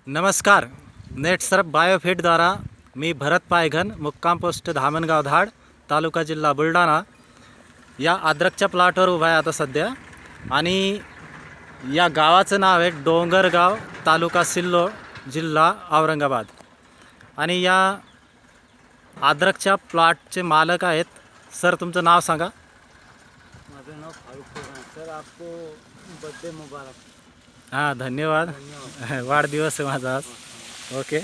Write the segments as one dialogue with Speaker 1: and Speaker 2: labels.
Speaker 1: नमस्कार. नेटसर्फ बायोफिटद्वारा मी भरत पायघन, मुक्काम पोस्ट धामणगाव धाड, तालुका जिल्हा बुलढाणा या अद्रकच्या प्लॉटवर उभा आहे आता सध्या. आणि या गावाचं नाव आहे डोंगरगाव, तालुका सिल्लोड, जिल्हा औरंगाबाद. आणि या अद्रकच्या प्लॉटचे मालक आहेत. सर, तुमचं नाव सांगा.
Speaker 2: माझं नाव फारुख सर. आपको बर्थडे मुबारक.
Speaker 1: हां, धन्यवाद. वाढदिवस आहे माझा आज. ओके.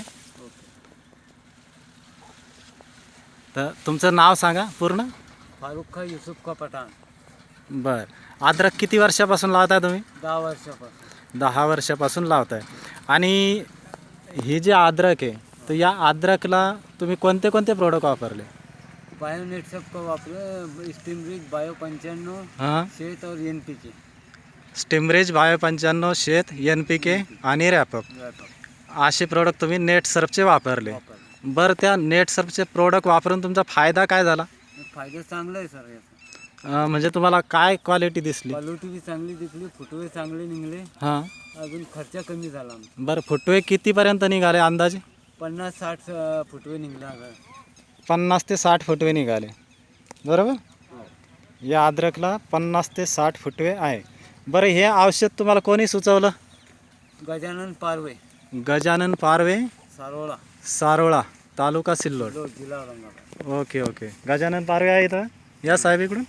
Speaker 1: तर तुमचं नाव सांगा पूर्ण.
Speaker 2: फारुख युसुफ का पठाण.
Speaker 1: बर. अद्रक किती वर्षापासून लावताय तुम्ही?
Speaker 2: 10 वर्षापासून.
Speaker 1: 10 वर्षापासून लावताय. आणि ही जी अद्रक आहे, तर या अद्रकला तुम्ही कोणते कोणते प्रोडक्ट वापरले?
Speaker 2: बायोनेट सब का वापरे, स्टीमरिच, बायो 95,
Speaker 1: हां,
Speaker 2: शेत और NPK.
Speaker 1: स्टिमरेज, बायो 95, शेत, NPK आणि रॅपअप असे प्रोडक्ट तुम्ही नेटसर्फचे वापरले. बरं, त्या नेटसर्फचे प्रोडक्ट वापरून तुमचा फायदा काय झाला?
Speaker 2: फायदा चांगला आहे सर याचा.
Speaker 1: म्हणजे तुम्हाला काय क्वालिटी दिसली?
Speaker 2: क्वालिटी बी चांगली दिसली, फुटवे चांगले निघले,
Speaker 1: हां.
Speaker 2: अजून खर्च कमी झाला.
Speaker 1: बरं, फुटवे कितीपर्यंत निघाले अंदाजे?
Speaker 2: 50-60 फुटवे निघले.
Speaker 1: 50 ते 60 फुटवे निघाले, बरोबर. या अद्रकला 50 ते 60 फुटवे आहे. बरं, हे औषध तुम्हाला कोणी सुचवलं?
Speaker 2: गजानन पारवे,
Speaker 1: गजानन पारवे,
Speaker 2: सारोळा,
Speaker 1: सारोळा, तालुका सिल्लोड.
Speaker 2: जिल्हा औरंगाबाद.
Speaker 1: Okay okay. गजानन पारवे आहे इथं. या साहेब इकडून.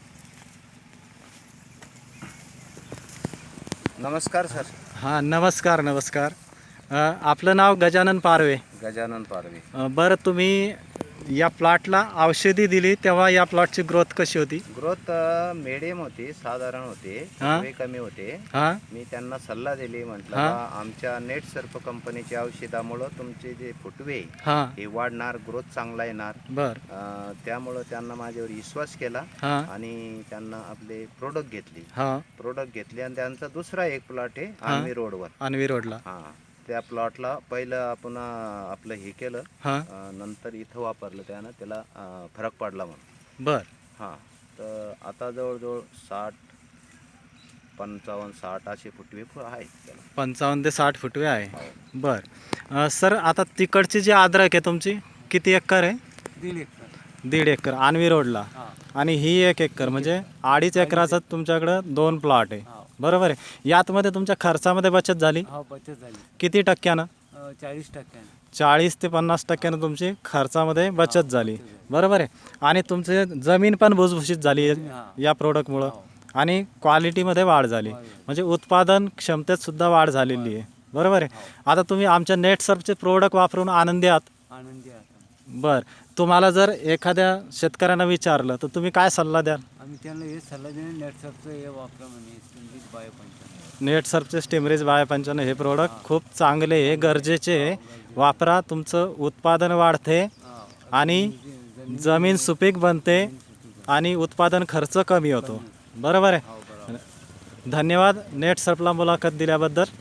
Speaker 3: नमस्कार सर.
Speaker 1: हां, नमस्कार नमस्कार. आपलं नाव गजानन पारवे.
Speaker 3: गजानन पारवे.
Speaker 1: बरं, तुम्ही या प्लॉटला औषधी दिली तेव्हा या प्लॉटची ग्रोथ कशी होती?
Speaker 3: ग्रोथ मिडियम होती, साधारण होते,
Speaker 1: हा.
Speaker 3: फुटवे कमी होते.
Speaker 1: हां
Speaker 3: मी त्यांना सल्ला दिली, म्हटलं
Speaker 1: हा.
Speaker 3: बा, आमच्या नेटसर्फ कंपनीच्या औषधामुळं तुमचे जे फुटवे
Speaker 1: हां.
Speaker 3: हे वाढणार, ग्रोथ चांगला येणार.
Speaker 1: बरं.
Speaker 3: त्यामुळं त्यांना माझ्यावर विश्वास केला
Speaker 1: हां
Speaker 3: आणि त्यांना आपले प्रोडक्ट घेतले.
Speaker 1: हां.
Speaker 3: प्रोडक्ट घेतले आणि त्यांचा दुसरा एक प्लॉट आहे आर्मी रोडवर.
Speaker 1: आणवी रोडला.
Speaker 3: हां, त्या प्लॉटला पहिलं आपण आपलं हे केलं,
Speaker 1: हां.
Speaker 3: नंतर इथं वापरलं, त्यानं त्याला फरक पडला म्हणून.
Speaker 1: बरं.
Speaker 3: हां, तर आता जवळजवळ 60, 55, 60 असे फुटवे आहेत त्याला.
Speaker 1: 55 ते 60 फुटवे आहे.
Speaker 3: हो.
Speaker 1: बरं. सर, आता तिकडची जी अद्रक आहे तुमची किती एकर आहे?
Speaker 2: 1.5 एकर.
Speaker 1: 1.5 एकर आणवी रोडला.
Speaker 2: हां.
Speaker 1: आणि ही 1 एकर, म्हणजे 2.5 एकराचं तुमच्याकडं 2 प्लॉट आहे,
Speaker 2: हां.
Speaker 1: बरोबर आहे. यातमध्ये तुमच्या खर्चामध्ये बचत झाली
Speaker 2: हा, बचत झाली.
Speaker 1: किती टक्क्यानं?
Speaker 2: 40%.
Speaker 1: 40 ते 50% तुमची खर्चामध्ये बचत झाली, बरोबर आहे. आणि तुमचे जमीन पण भुसभुशीत झाली या प्रोडक्टमुळं. आणि क्वालिटीमध्ये वाढ झाली, म्हणजे उत्पादन क्षमतेत सुद्धा वाढ झालेली आहे, बरोबर आहे. आता तुम्ही आमच्या नेटसर्फचे प्रोडक्ट वापरून आनंदी आहात?
Speaker 2: आनंदी आहे.
Speaker 1: बरं, तुम्हाला जर एखाद्या शेतकऱ्यांना विचारलं तर तुम्ही काय सल्ला द्याल?
Speaker 2: आम्ही त्यांना हे सल्ला देणे, नेटसर्फचं हे वापरा म्हणे, स्टीमरिच बायो 95.
Speaker 1: नेटसर्फचे स्टिमरेज बायो 95 हे प्रोडक्ट खूप चांगले आहे, गरजेचे आहे. वापरा, तुमचं उत्पादन वाढते आणि जमीन सुपीक बनते आणि उत्पादन खर्च कमी होतो, बरोबर आहे. धन्यवाद नेटसर्फला मुलाखत दिल्याबद्दल.